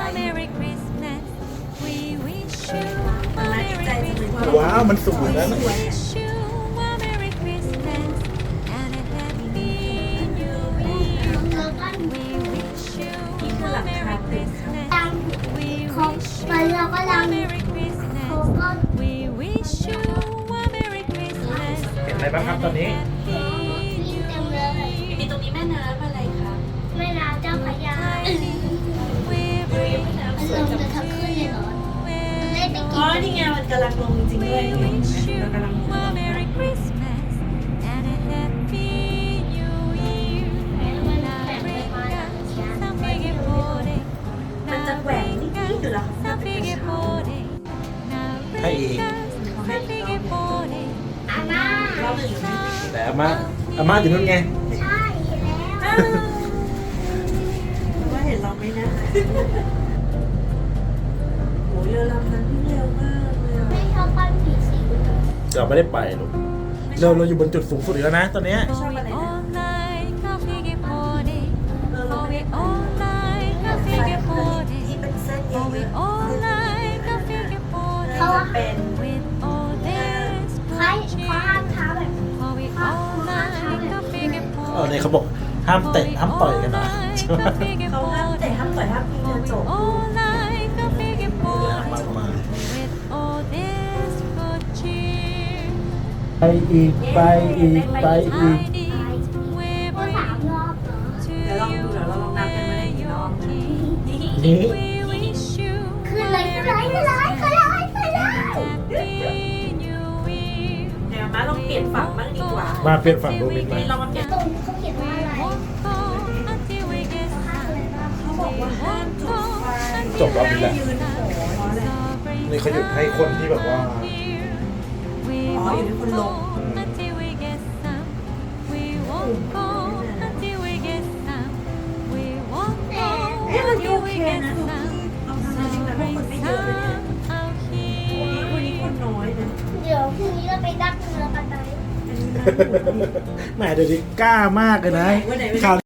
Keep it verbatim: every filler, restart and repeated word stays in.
Merry Christmas We wish you a Merry Christmas ว้าวมันสูงนะ We wish you a Merry Christmas and a Happy New Year We wish you a Merry Christmas We wish you a Merry Christmas We wish you a Merry Christmas เห็นอะไรบ้างครับตอนนี้มีตรงนี้แม่น้ำอะไรครับแม่น้ำเจ้าพระยา We เฮ้ย bring แม่น้ำมันสลวยงจังจะทั้งคืนเลยเหรอมันได้ไปอ๋กิอน นี่ไงมันกำลังลงจริงๆด้วย We เห็น wish ไหม you เรากำลัง a Merry Christmas and a Happy New Year. มันแบ่งไปมาแล้วเนี่ย Sapighe pore, มันจะแหว่งนิดๆอยู่แล้ว sapighe pore, ให้อีก sapighe pore. อาม่าเราหนึ่งอยู่นี่แต่อาม่าอาม่าอยู่นู่นไงใช่แล้วอ้าวว่าเห็นเราไหมนะโอ้ยเรือลำนั้นวิ่งเร็วมากเลยอ่ะไม่ชอบปั้นผีสิงเราไม่ได้ไปหรอกเราเราอยู่บนจุดสูงสุดอีกแล้วนะตอนเนี้ยไม่ชอบอะไรนะ All night, sapighe pore, เออเราไม่ oh ได้ we all night, แฟ sapighe นเคยที่ pore, เป็นเส้นเย oh we อะ all night, sapighe ๆ pore. น่าจะเป็น With all this ใคร good เขาห้าม cheer, เท้าแบบ oh we all night, sapighe เออ pore. เนี่ยเขาบอกห้ามเตะห้ามต่อยกันนะใช่ไหมเขาห้ามแต่ห้ามต่อยห้ามยิงกระจก All night, sapighe มาก pore. มาย With all this good cheer, ไปอีกไปอีกไปอีก tidings we ก็สาม bring รอบเหรอ to เดี๋ยวลองดูเดี๋ยวเราลองนับกันว่าได้กี่รอบ you. นี่ We wish you ขึ้นเลยขึ้นเลยขึ้นเลยขึ้นเลยขึ้นเลย Happy New Year. เดี๋ยวมาลองเปลี่ยนฝั่งบ้างดีกว่ามาเปลี่ยนฝั่งดูมินไหมนี่เรามาเปลี่ยนตรงเขาเขียนว่าอะไร Won't go until we get เขาห้ามอะไรบ้างเขาบอกว่าห้ามจุดไฟจบรอบนี้แหละยืนโหเพราะอะไรนี่เขาหยุดให้คนที่แบบว่า We อ๋ออยู่ที่คนลง until we get some. We won't go until we get some. We won't go เอ๊ะวันนี้ until โอ we เค get นะ some. เอาทำจริงๆแล้วคนไม่เยอะเลยเนี่ย Some out วันนี้คน here. น้อยนะเดี๋ยวพรุ่งนี้เราไปดักเรือกันไหมอันนี้น่าดูดีแหมเดี๋ยวนี้กล้ามากเลยนะวันไหนวันไหนข่าว